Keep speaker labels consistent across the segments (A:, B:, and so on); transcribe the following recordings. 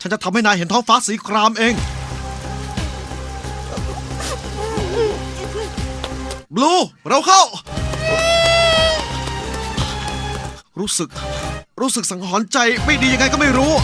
A: ฉันจะทำให้นายเห็นท้องฟ้าสีครามเองบลูเราเข้า รู้สึกสังหรณ์ใจไม่ดียังไงก็ไม่รู้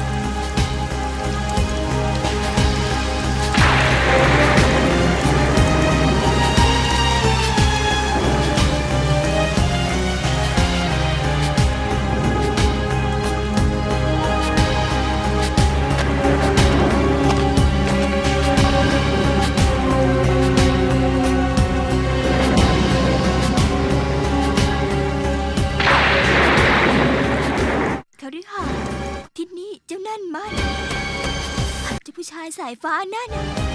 B: ที่นี่เจ้านั่นมันเจ้าผู้ชายสายฟ้านั่น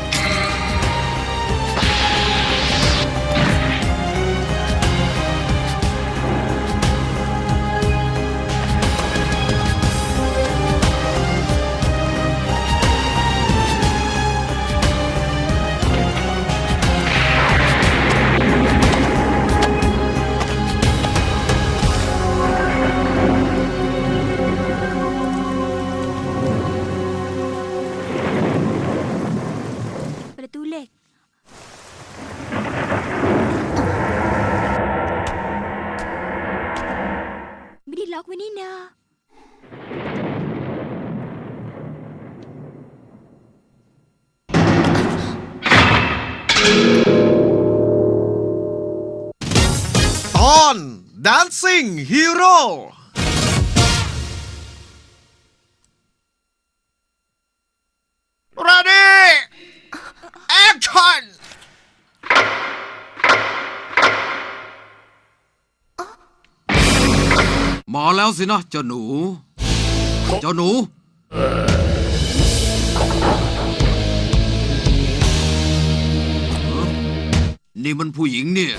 B: ประตูเหล็กไม่ได้ล็อกไว้นี่นา
A: ตอน Dancing Hero Ready Action
C: มาแล้วสินะเจ้าหนูนี่มันผู้หญิงเนี่ย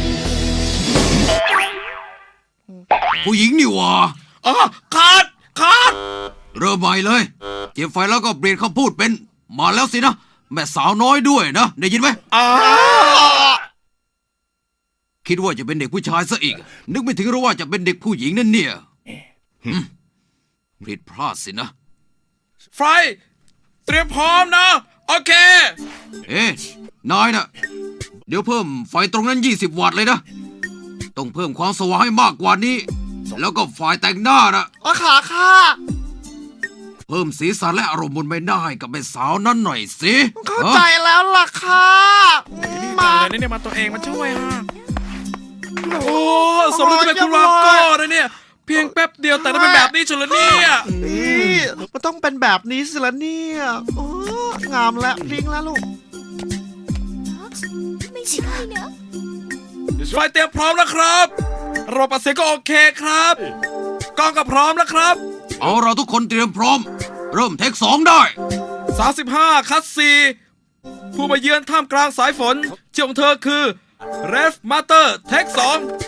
C: ผู้หญิงนี่หว่า
A: ขาด
C: เริ่มใหม่เลยเก็บไฟแล้วก็เปลี่ยนคำพูดเป็นมาแล้วสินะแม่สาวน้อยด้วยนะได้ยินไหมคิดว่าจะเป็นเด็กผู้ชายซะอีกนึกไม่ถึงหรอกว่าจะเป็นเด็กผู้หญิงนั่นเนี่ยผิดพลาดสินะ
D: ไฟเตรียมพร้อมนะโอเคน
C: ายน่ะเดี๋ยวเพิ่มไฟตรงนั้น20 วัตต์เลยนะต้องเพิ่มความสว่างให้มากกว่านี้แล้วก็ไฟแต่งหน้านะ
A: ขาค่ะ
C: เพิ่มสีสันและอารมณ์บนใบหน้าให้กับแม่สาวนั้นหน่อยสิ
A: เข้าใจแล้วล่ะค่ะ
D: มาเลยเนี่ยมาตัวเองมาช่วยฮะโอ้สมมติเป็นคุณวาโก้เลยเนี่ยเพียงแป๊บเดียวแต่ได้เป็นแบบนี้เฉลยเนี่ย
A: นี่มันต้องเป็นแบบนี้สิละเนี่ยงามแล้วพริ้งแล้วลูก
B: ไม่ใช่นะ
D: ไฟเตรียมพร้อมแล้วครับระบบอัดเสียงก็โอเคครับกล้องก็พร้อมแล้วครับ
C: เอาเราทุกคนเตรียมพร้อมเริ่มเทค2ได้
D: 35คัด4ผู้มาเยือนท่ามกลางสายฝนชื่อของเธอคือเรฟมาเตอร์เทค2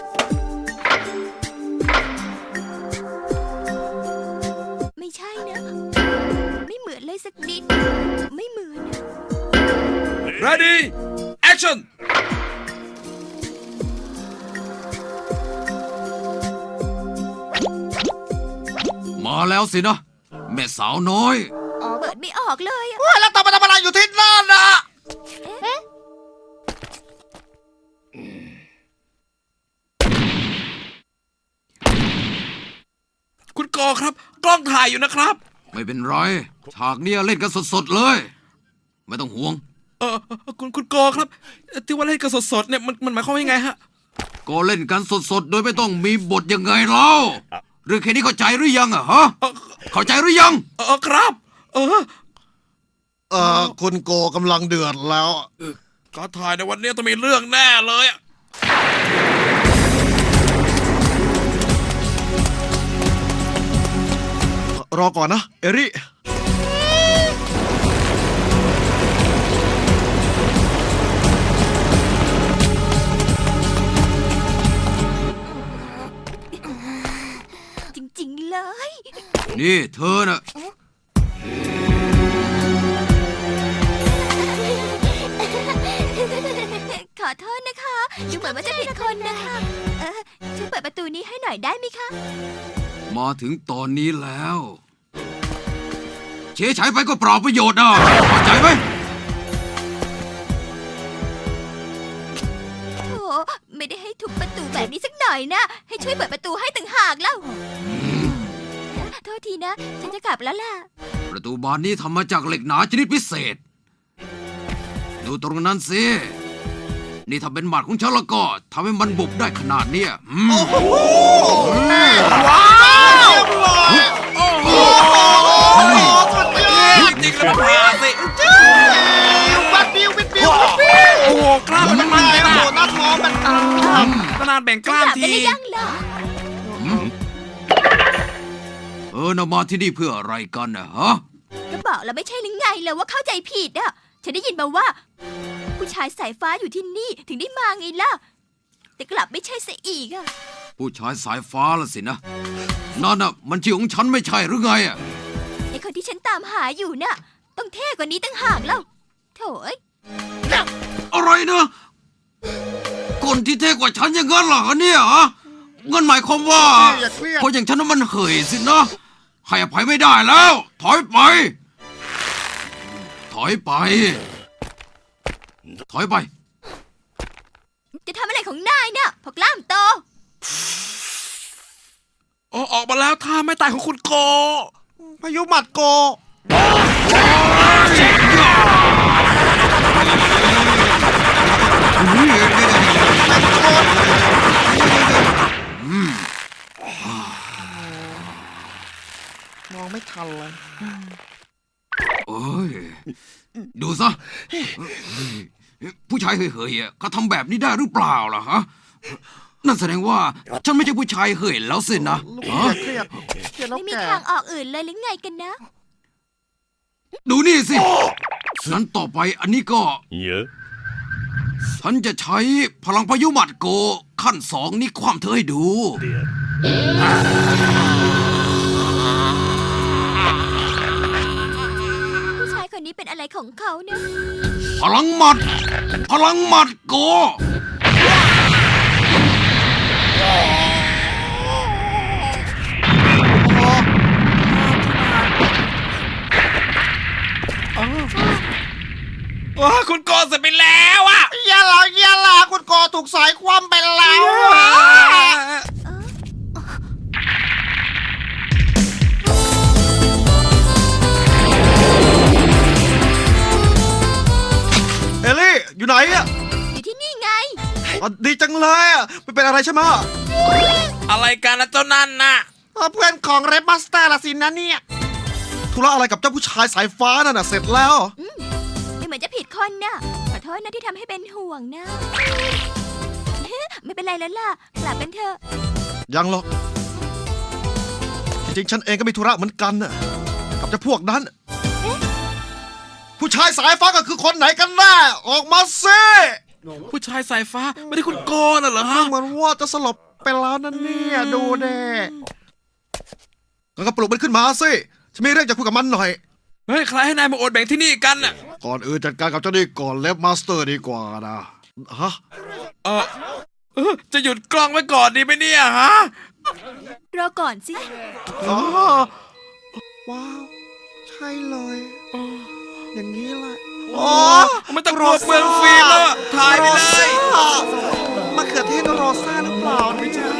B: ไม่ใช่นะไม่เหมือนเลยสักนิดไม่เหมือน
D: Ready Action
C: มาแล้วสินะแม่สาวน้อย
B: เปิดไม่ออกเลย
A: แล้วทำอะไรอยู่ที่นั่นน่ะ
D: คุณกอครับกล้องถ่ายอยู่นะครับ
C: ไม่เป็นไรฉากนี้เล่นกันสดๆเลยไม่ต้องห่วง
D: คุณกอครับที่ว่าเล่นกันสดๆเนี่ยมันหมายความว่ายังไงฮะ
C: ก็เล่นกันสดๆโดยไม่ต้องมีบทยังไงเล่าเรื่องแค่นี้เข้าใจหรือยังอะฮะเข้าใจหรือยัง
D: ครับ
A: คุณโกกำลังเดือดแล้ว
D: การถ่ายในวันนี้ต้องมีเรื่องแน่เลย
A: รอก่อนนะเอริ
B: จริงๆเลย
C: นี่เธอน่ะ
B: ขอโทษนะคะดูเหมือนว่าจะผิดคนนะคะช่วยเปิดประตูนี้ให้หน่อยได้ไหมคะ
C: มาถึงตอนนี้แล้ว จเฉยๆไปก็เปล่าประโยชน์นะเข้าใจไหม
B: โถไม่ได้ให้ทุบประตูแบบนี้สักหน่อยนะ ให้ช่วยเปิดประตูให้ต่างหากแล้วโทษทีนะ ฉันจะกลับแล้วล่ะ
C: ประตูบานนี้ทำมาจากเหล็กหนาชนิดพิเศษ ดูตรงนั้นสิ นี่ถ้าเป็นหมัดของฉันแล้วก็ทำให้มันบุบได้ขนาดเนี้ย
A: ว้าวสุดยอด
D: จริงๆแล้วมันพาสิ
A: วัดบิววิดบิว
D: โอ้โหกล้ามมันมันเลยนะ
A: โหน้าท้องมัน
D: ขนาดแบ่งก
B: ก
D: ล้าม
B: ลับได้
D: ที
B: หรือยังล่ะ
C: น่ะมาที่นี่เพื่ออะไรกันนะฮะ
B: ก็บอกแล้วไม่ใช่หรือไงเลยว่าเข้าใจผิดอ่ะ ฉันได้ยินมาว่า ผู้ชายสายฟ้าอยู่ที่นี่ถึงได้มาไงล่ะ แต่กลับไม่ใช่ซะอีกอ่ะ
C: ผู้ชายสายฟ้าละสินะ นั่นน่ะมันชื่อของฉันไม่ใช่หรือไงอ่ะ
B: ไอคนที่ฉันตามหาอยู่น่ะ ต้องเท่กว่านี้ตั้งหากแล้วโถ่เอ้ย
C: อะไรนะคนที่เท่กว่าฉันอย่างนั้นเหรอเนี่ยฮะงั้นหมายความว่า
A: อย่าเครียด
C: คนอย่างฉันนั้นมันเหยสินะ ให้อภัยไม่ได้แล้ว ถอยไป ถอยไป ถอยไป
B: จะทำอะไรของนายน่ะพอกล้ามโต
D: โอ้ออกมาแล้วท่าไม่ตายของคุณโก
A: พายุหมัดโก มองไม่ทันเลย
C: เอ้ย ดูซะ ผู้ชายเฮยๆอ่ะเขาทำแบบนี้ได้หรือเปล่าล่ะฮะ นั่นแสดงว่า ฉันไม่ใช่ผู้ชายเฮยแล้วสินะ
A: ลูก
C: ฮะ
A: เครียดเครียดแล้ว
B: ไม่มี
A: แก่
B: ทางออกอื่นเลยหรือไงกันนะ
C: ดูนี่สิงั้นต่อไปอันนี้ก็
E: Yeah.
C: ฉันจะใช้พลังพายุหมัดโก ขั้นสองนี่ความเธอให้ดู
B: ผู้ชายคนนี้เป็นอะไรของเขาเนี่ย
C: พลังหมัด พลังหมัดโก
D: ว้าคุณโกเสร็จไปแล้วอะ
A: อย่าละคุณโกถูกสายคว่ำไปแล้วอะ เอลลี่ อยู่ไหนอ่ะ
B: อยู่ที่นี่ไง
A: อ๋อดีจังเลยอ่ะไม่เป็นอะไรใช่ไหม
D: อะไรกันนะเจ้านั่นน่ะ
A: เพื่อนของเรดบัสเตอร์ละสินะเนี่ยธุระอะไรกับเจ้าผู้ชายสายฟ้านั่นน่ะเสร็จแล้ว
B: ไม่เหมือนจะผิดคนน่ะ ขอโทษนะที่ทำให้เป็นห่วงนะ ไม่เป็นไรแล้วล่ะ กลับกันเถอะ
A: ยังหรอก จริงๆ ฉันเองก็มีธุระเหมือนกันน่ะกับเจ้าพวกนั้น ผู้ชายสายฟ้าก็คือคนไหนกันแน่ออกมาสิ
D: ผู้ชายสายฟ้าไม่ได้คุณโกน่ะเหรอฮะ
A: เหมือนว่าจะสลบไปแล้วนั่นเนี่ยดูเด้งั้นก็ปลุกมันขึ้นมาสิฉันมีเรื่องจะคุยกับมันหน่อย
D: เฮ้ยใครให้นายมาโอดแบ่งที่นี่กันน่ะ
A: ก่อนอื่นจัดการกับเจ้านี่ก่อนเล็บมาสเตอร์ดีกว่านะฮะ
D: จะหยุดกล้องไว้ก่อนดีไหมเนี่ยฮะ
B: รอก่อนสิ
A: อ๋อว้าว ใช่เลย อย่างนี้แหละโอ้
D: ไม่ต้องกลัวเปลืองฟิล์มแล้วอะถ่ายไปเลย
A: มะเขือเทศโรซ่าหรือเปล่า
D: ไม่ใช่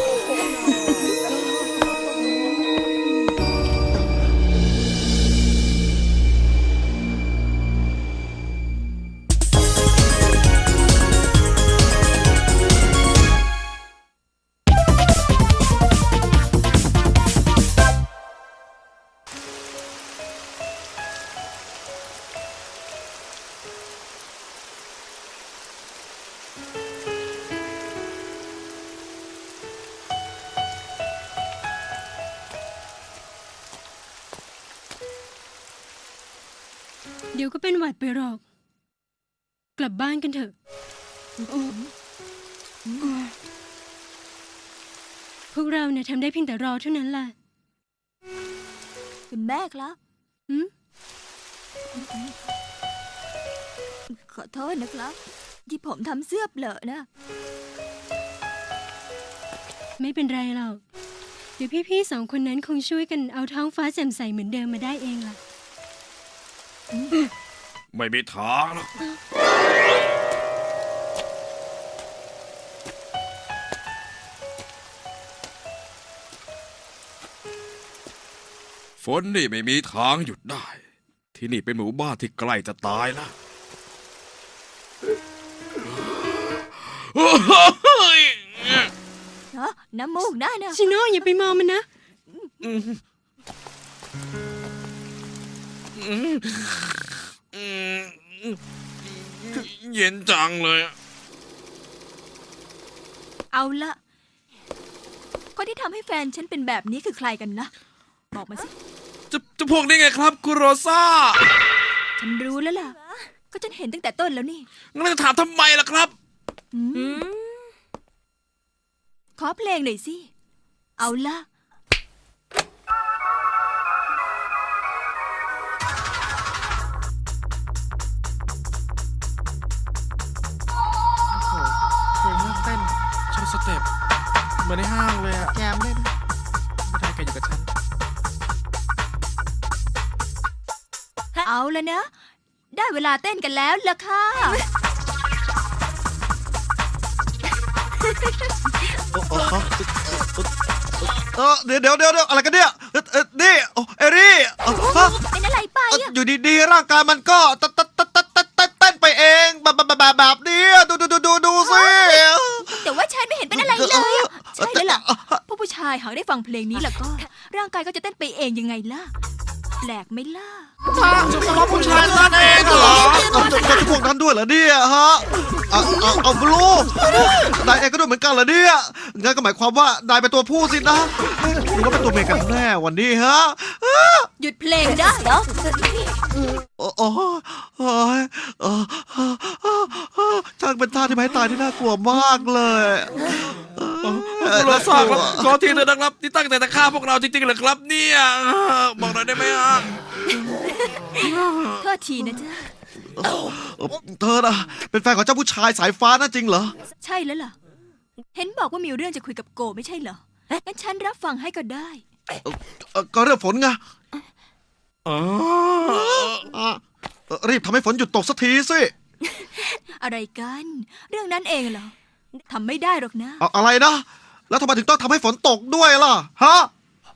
F: เดี๋ยวก็เป็นหวัดไปหรอก กลับบ้านกันเถอะพวกเราเนี่ยทำได้เพียงแต่รอเท่านั้นแหละ
B: คุณแม่ครับ
F: หืม
B: ขอโทษนะครับ ที่ผมทำเสื้อเปลอะนะ
F: ไม่เป็นไรหรอก เดี๋ยวพี่ๆสองคนนั้นคงช่วยกันเอาท้องฟ้าแจ่มใสเหมือนเดิมมาได้เองล่ะ
D: ไม่มีทางหรอกฝนนี่ไม่มีทางหยุดได้ ที่นี่เป็นหมู่บ้านที่ใกล้จะตายแล้ว
B: เนาะน้ำมูกได้นะ
F: ชิโน่อย่าไปมองมันนะ
D: เย็นจังเลยอะ
B: เอาละคนที่ทำให้แฟนฉันเป็นแบบนี้คือใครกันนะ บอกมาสิ
D: จะพวกนี้ไงครับคุณโรซ่า
B: ฉันรู้แล้วล่ะ ก็ฉันเห็นตั้งแต่ต้นแล้วนี่
D: งั้นจะถามทำไมล่ะครับ
B: ขอเพลงหน่อยสิ เอาละ
A: เพลงน่าเต้น
D: ชอบสเต็ปเหมือนในห้างเลยอะ
A: แจมได้นะ
D: ไม่ได้แกอยู่กับฉัน
B: เอาแล้วนะ ได้เวลาเต้นกันแล้วล่ะค่ะ
A: เดี๋ยวอะไรกันเนี่ยนี่เอรี่ฮะ
B: เป็นอะไรไปอะ
A: อยู่ดีๆร่างกายมันก็เต้นไปเองแบบนี้ดูสิ
B: แต่ว่าฉันไม่เห็นเป็นอะไรเลยอะใช่แล้วล่ะพวกผู้ชายหากได้ฟังเพลงนี้แล้วก็ ร่างกายก็จะเต้นไปเองยังไงล่ะ แปลกไหมล่ะ
A: เฉพาะผู้ชายนั่นเองเหรอจะพวกนั้นด้วยเหรอเนี่ยฮะเอาบลูนายเองก็ด้วยเหมือนกันเหรอเนี่ยงั้นก็หมายความว่านายเป็นตัวผู้สินะหรือว่าเป็นตัวเมียกันแน่วันนี้ฮะ
B: หยุดเพลงได้เหรอ
A: โอ้ช่างเป็นท่าที่ไม่ให้ตายที่น่ากลัวมากเลย
D: คุณโรซ่าครับขอทีเถอะนะครับที่ตั้งใจจะฆ่าพวกเราจริงๆเหรอครับเนี่ยบอกหน่อยได้ไหมฮะ
B: โทษทีนะจ๊ะ
A: เธอน่ะเป็นแฟนของเจ้าผู้ชายสายฟ้าน่ะจริงเหรอ
B: ใช่แล้วล่ะ เห็นบอกว่ามีเรื่องจะคุยกับโกไม่ใช่เหรอ งั้นฉันรับฟังให้ก็ได้
A: ก็เรื่องฝนไง
D: อ๋อ
A: รีบทำให้ฝนหยุดตกสักทีสิ
B: อะไรกัน เรื่องนั้นเองเหรอทำไม่ได้หรอกนะ
A: อะไรนะ แล้วทำไมถึงต้องทำให้ฝนตกด้วยล่ะฮะ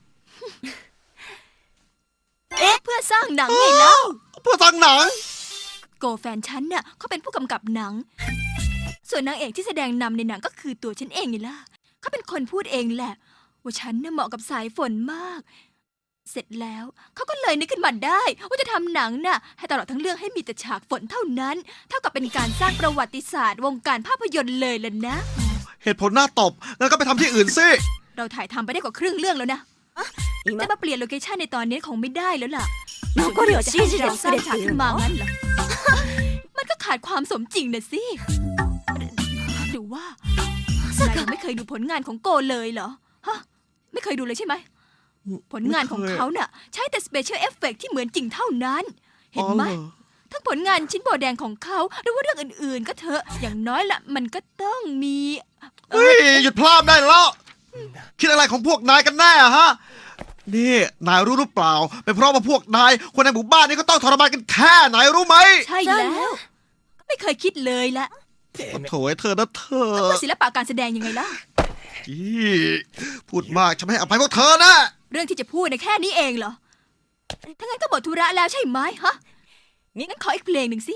B: เพื่อสร้างหนังไงเล่า
A: เพื่อทางหนัง
B: โกแฟนฉันน่ะเขาเป็นผู้กำกับหนัง ส่วนนางเอกที่แสดงนำในหนังก็คือตัวฉันเองไงล่ะเขาเป็นคนพูดเองแหละ ว่าฉันน่ะเหมาะกับสายฝนมาก เสร็จแล้วเขาก็เลยนึกขึ้นมาได้ ว่าจะทำหนังน่ะให้ตลอดทั้งเรื่องให้มีแต่ฉากฝนเท่านั้น เท่ากับเป็นการสร้างประวัติศาสตร์วงการภาพยนตร์เลยล่ะนะ
A: เหตุผลน่าตบงั้นก็ไปทำที่อื่นสิ
B: เราถ่ายทำไปได้กว่าครึ่งเรื่องแล้วนะจะมาเปลี่ยนโลเคชั่นในตอนนี้คงไม่ได้แล้วล่ะส่วนที่จะให้เราสร้างฉากขึ้นมางั้นเหรอ มันก็ขาดความสมจริงนะสิหรือว่านายยังไม่เคยดูผลงานของโกเลยเหรอฮะไม่เคยดูเลยใช่ไหม ผลงานของเขาน่ะใช้แต่สเปเชียลเอฟเฟกที่เหมือนจริงเท่านั้น เห็นไหม ทั้งผลงานชิ้นโบแดงของเขาหรือว่าเรื่องอื่นๆ ก็เถอะอย่างน้อยละมันก็ต้องมี
A: เฮ้ยหยุดพลาดได้แล้ว คิดอะไรของพวกนายกันแน่ฮะ นี่นายรู้หรือเปล่า เป็นเพราะว่าพวกนายคนในหมู่บ้านนี้ก็ต้องทรมานกันแค่ไหนรู้ไหม
B: ใช่แล้ว ไม่เคยคิดเลยละ
A: โถ่เธอนะเธอ
B: เพื่อศิลปะการแสดงยังไงล่ะ
A: อี้พูดมากฉันไม่ให้อภัยพวกเธอนะ
B: เรื่องที่จะพูดนะแค่นี้เองเหรอ ถ้างั้นก็หมดธุระแล้วใช่ไหมฮะงั้นขออีกเพลงหนึ่งสิ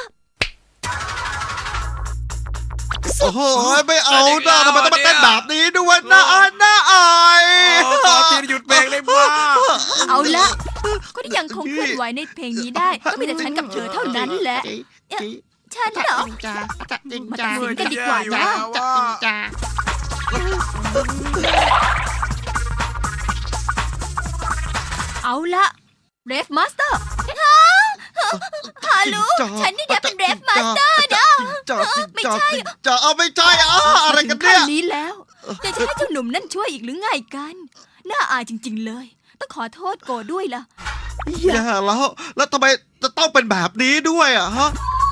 A: โอ้โหไม่เอาหน้าทำไมต้องมาเต้นแบบนี้ด้วยน่าอายน่าอาย
D: ขอทีหยุดเพลงได้บ้า
B: เอาละคนที่ยังคงเคลื่อนไหวในเพลงนี้ได้ ก็มีแต่ฉันกับเธอเท่านั้นแหละฉันเหรอ มาตัดสินกันดีกว่านะ เอาละเรฟมาสเตอร์ฮาลูฉันนี่เนี่ยเป็นเรฟมาสเตอร์นะ ไม่ใช่
A: จะเอาไม่ใช่อะไรกัน
B: ขั้
A: เนี่ย
B: นนี้แล้วจะให้เจ้าหนุ่มนั่นช่วยอีกหรือไงกัน น่าอายจริง ๆเลย ต้องขอโทษโกด้วยล่ะ
A: แย่แล้วทำไมจะต้องเป็นแบบนี้ด้วยอะฮะ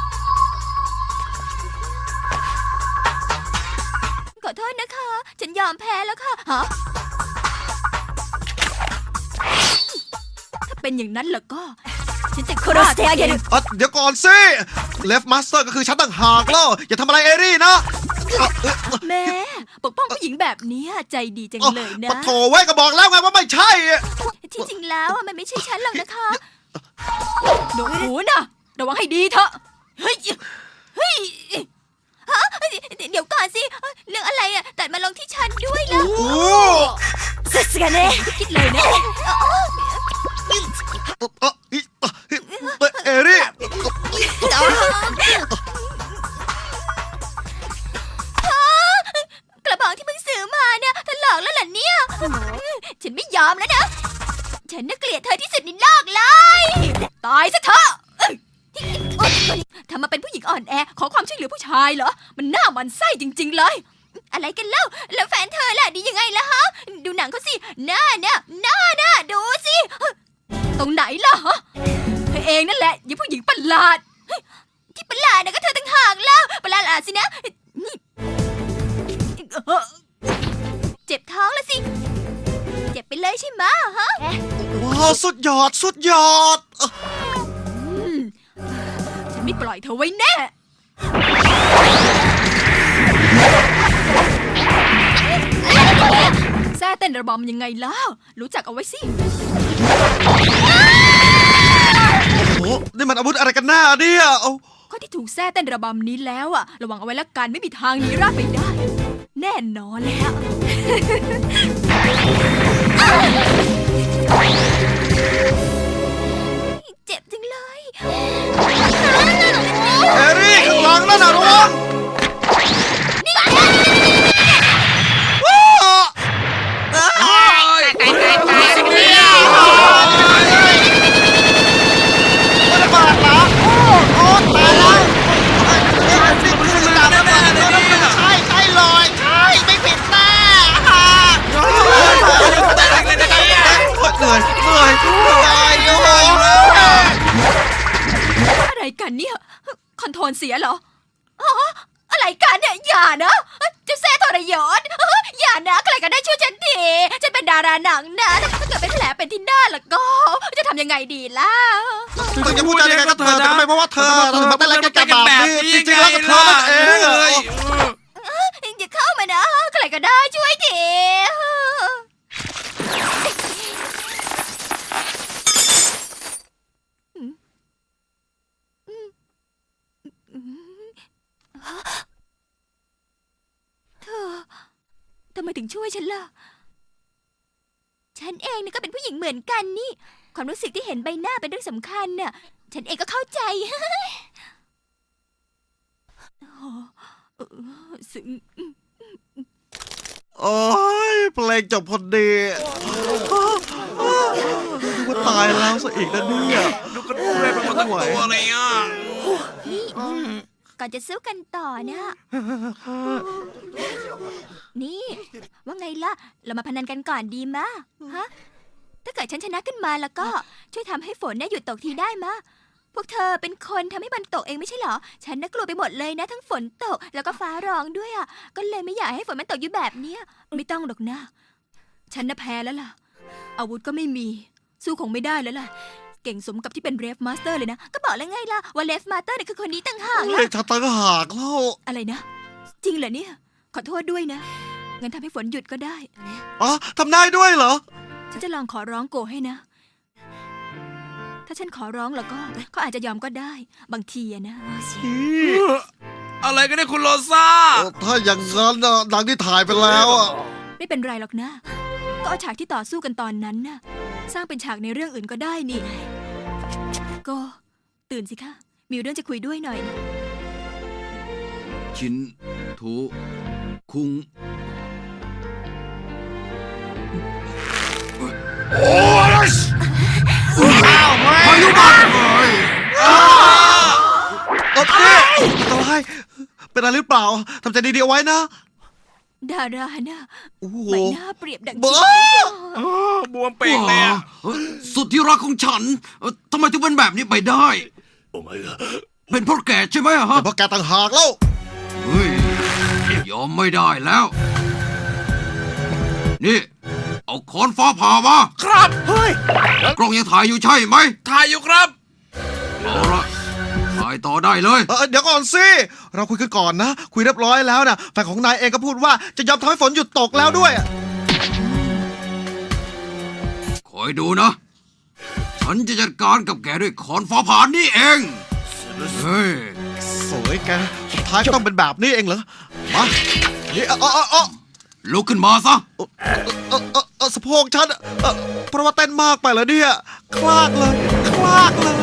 B: ขอโทษนะคะ ฉันยอมแพ้แล้วค่ะฮะถ้าเป็นอย่างนั้นแล้วก็ฉันจะฆ่าเธอ
A: เดี๋ยวก่อนสิเลฟมาสเตอร์ก็คือฉันต่างหากแล้วอย่าทำอะไรเอรี่นะ
B: แม่ปกป้องผู้หญิงแบบเนี้ยใจดีจังเลยนะ
A: ปะโถไว้ก็บอกแล้วไงว่าไม่ใช่
B: ที่จริงแล้วอะมันไม่ใช่ฉันหรอกนะคะหนูหูนะระวังให้ดีเถอะเฮ้ยเฮ้ยฮะเดี๋ยวก่อนสิเรื่องอะไรอะแต่มาลงที่ฉันด้วยล่ะ
A: โอ้
B: สุดกันเลยคิดเลยนะ
A: เอรี่
B: กระบอกที่มึงซื้อมาเนี่ยถลอกแล้วเหรอเนี่ยฉันไม่ยอมแล้วนะฉันน่ะเกลียดเธอที่สุดในโลกเลยตายซะเถอะทำมาเป็นผู้หญิงอ่อนแอขอความช่วยเหลือผู้ชายเหรอมันน่าหมันไส้จริงๆเลยอะไรกันเล่าแล้วแฟนเธอล่ะดียังไงล่ะฮะดูหนังเขาสิหน้าดูสิตรงไหนล่ะฮะเธอเองนั่นแหละยิ่งผู้หญิงประหลาดที่ประหลาดนะก็เธอต่างหากแล้วประหลาดสินะนี่เจ็บท้องแล้วสิเจ็บไปเลยใช่ไหมฮะ
A: ว้าวสุดยอด
B: ฉันไม่ปล่อยเธอไว้แน่ แซ่เต้นระบำยังไงล่ะ รู้จักเอาไว้สิ
A: โอ้นี่มันอาวุธอะไรกันแน่เนี่ยเอา
B: คนที่ถูกแซ่เต้นระบำนี้แล้วอะระวังเอาไว้ละกันไม่มีทางหนีรอดไปได้ แน่นอนแล้ว เจ็บจังเลย
A: เอรี่ข้างหลังนั่นน่ะระวังมันระบาดเหรอโอ้ตายแล้วนี่มันคือดาบระเบิดใช่เลยใช่ไม่ผิดแน่เหนื่อยโอ้ย
B: อะไรกันเนี่ย คอนโทรลเสียเหรอฮะอะไรกันเนี่ยอย่านะเจะแซ่ทรยศอย่านะใครก็ได้ช่วยฉันทีฉันเป็นดาราหนังนะถ้าเกิดเป็นแผลเป็นที่หน้าแล้วก็จะทำยังไงดีล่ะ
A: ถึงจะพูดจายังไงก็เธอแต่ทำไมเพราะว่าเธอถึงมาเต้นอะไรกันแบบนี้จริงๆแล้วก็เธอนั่นเองเลย
B: อย่าเข้ามานะใครก็ได้ช่วยทีเธอทำไมถึงช่วยฉันล่ะ ฉันเองก็เป็นผู้หญิงเหมือนกันนี่ ความรู้สึกที่เห็นใบหน้าเป็นเรื่องสำคัญน่ะ ฉันเองก็เข้าใจ ซึ้ง
A: โอ้ยเพลงจบพอดีนึกว่าตายแล้วซะอีกนะเนี่ย
C: ดูกันด้วยเป็นคนทั้งตัวเลยอ่ะ
B: นี่ก่อนจะสู้กันต่อนะ นี่ ว่าไงล่ะ เรามาพนันกันก่อนดีมะฮะ ถ้าเกิดฉันชนะขึ้นมาแล้วก็ช่วยทำให้ฝนเนี่ยหยุดตกทีได้มะ พวกเธอเป็นคนทำให้มันตกเองไม่ใช่เหรอ ฉันน่ะกลัวไปหมดเลยนะ ทั้งฝนตกแล้วก็ฟ้าร้องด้วยอ่ะ ก็เลยไม่อยากให้ฝนมันตกอยู่แบบเนี้ย ไม่ต้องหรอกนะ ฉันน่ะแพ้แล้วล่ะ อาวุธก็ไม่มี สู้คงไม่ได้แล้วล่ะ เก่งสมกับที่เป็นเรฟมาสเตอร์เลยนะ ก็บอกแล้วไงล่ะว่าเรฟมาสเตอร์เนี่ยคือคนนี้ต่างหาก
A: เฮ้
B: ล่ะ
A: ยถ้าตั้งหากแล้ว
B: อะไรนะ จริงเหรอเนี่ย ขอโทษด้วยนะ งั้นทำให้ฝนหยุดก็ได้
A: อ๋อทำได้ด้วยเหรอ
B: ฉันจะลองขอร้องโกให้นะ ถ้าฉันขอร้องแล้วก็เขาอาจจะยอมก็ได้ บางทีอะนะ
C: อะไรกันเนี่ยคุณโรซ่า
A: ถ้าอย่างนั้นน่ะหนังที่ถ่ายไปแล้วอ่ะ
B: ไม่เป็นไรหรอกนะ ก็เอาฉากที่ต่อสู้กันตอนนั้นน่ะ สร้างเป็นฉากในเรื่องอื่นก็ได้นี่ ก็ตื่นสิคะ มีเรื่องจะคุยด้วยหน่อยนะ
C: ชินทุคุงพายุมา
A: โอเคอันตรายเป็นอะไรหรือเปล่าทำใจดีๆเอาไว้นะ
B: ดารานะ
A: โอ้โห
B: ใบหน้าเปรียบดัง
A: บ้า
D: บวมเป่งเลยอะ
C: สุดที่รักของฉันทำไมถึงเป็นแบบนี้ไปได้ เป็นเพราะแกใช่ไหมอะฮะ
A: เพราะแกต่างหากแล้ว
C: เฮ้ยยอมไม่ได้แล้ว นี่ เอาค้อนฟ้าผ่ามา
D: ครับ เฮ้ย
C: กล้องยังถ่ายอยู่ใช่ไหม
D: ถ่ายอยู่ครับ
C: เอาละถ่ายต่อได้เลย
A: เดี๋ยวก่อนสิ เราคุยกันก่อนนะ คุยเรียบร้อยแล้วนะแฟนของนายเองก็พูดว่าจะยอมทำให้ฝนหยุดตกแล้วด้วย
C: คอยดูนะ ฉันจะจัดการกับแกด้วยขอนฟ้าผ่านนี่เอง เฮ้ย
A: สวยแก สุดท้ายก็ต้องเป็นแบบนี้เองเหรอ มานี่
C: ลุกขึ้นมาซะ
A: สะโพกฉันเพราะว่าเต้นมากไปแล้วเนี่ย คลากเลย คลากเลย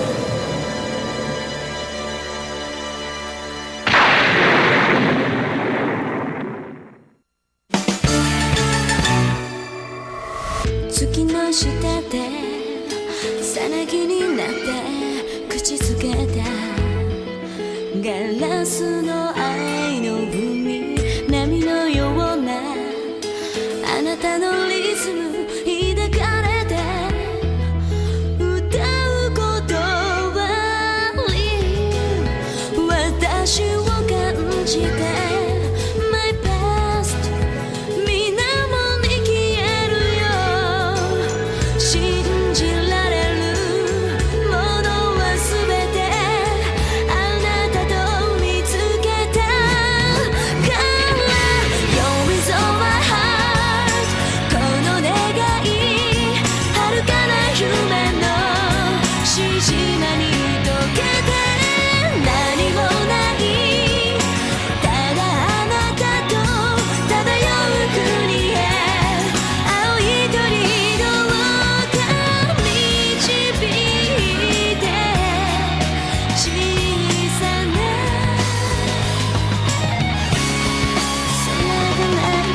E: 月の下でさなぎになって口づけたガラスの愛の海波のようなあなたのリズム抱かれて歌う言葉に私を感じてMy past 水面に消えるよ信じられるものはすべてあなたと見つけたから You're with all my heart この願い遥かな夢のし島に溶けて何もないただあなたと漂う国へ青い鳥どうか導いて小さな空がない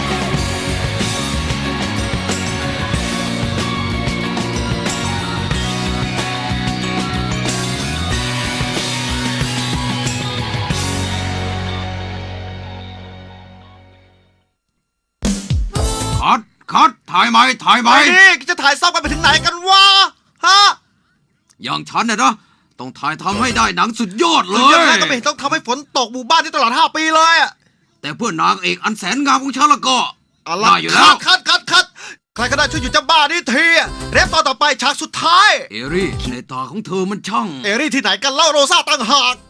C: คัดถ่ายไหมถ่ายไหม
A: ไอ้นี่จะถ่ายซ้ำกันไปถึงไหนกันวะ ฮะ
C: อย่างฉันนะ ต้องถ่ายทำให้ได้หนังสุดยอดเล
A: ถึงยังไง
C: ย
A: ก็ไม่เห็นต้องทำให้ฝนตกหมู่บ้านที่ตลอด5 ปีเลยอะ
C: แต่เพื่อนางเอกอันแสนงามของฉันแล้วก็
A: อะไร
C: ได้อยู่แล้ว
A: คัดใครก็ได้ช่วยหยุดเจ้าบ้านี่ทีเรฟตอนต่อไปฉากสุดท้าย
C: เอรี่ในตาของเธอมันช่าง
A: เอรี่ที่ไหนกันเล่าโรซ่าต่างหาก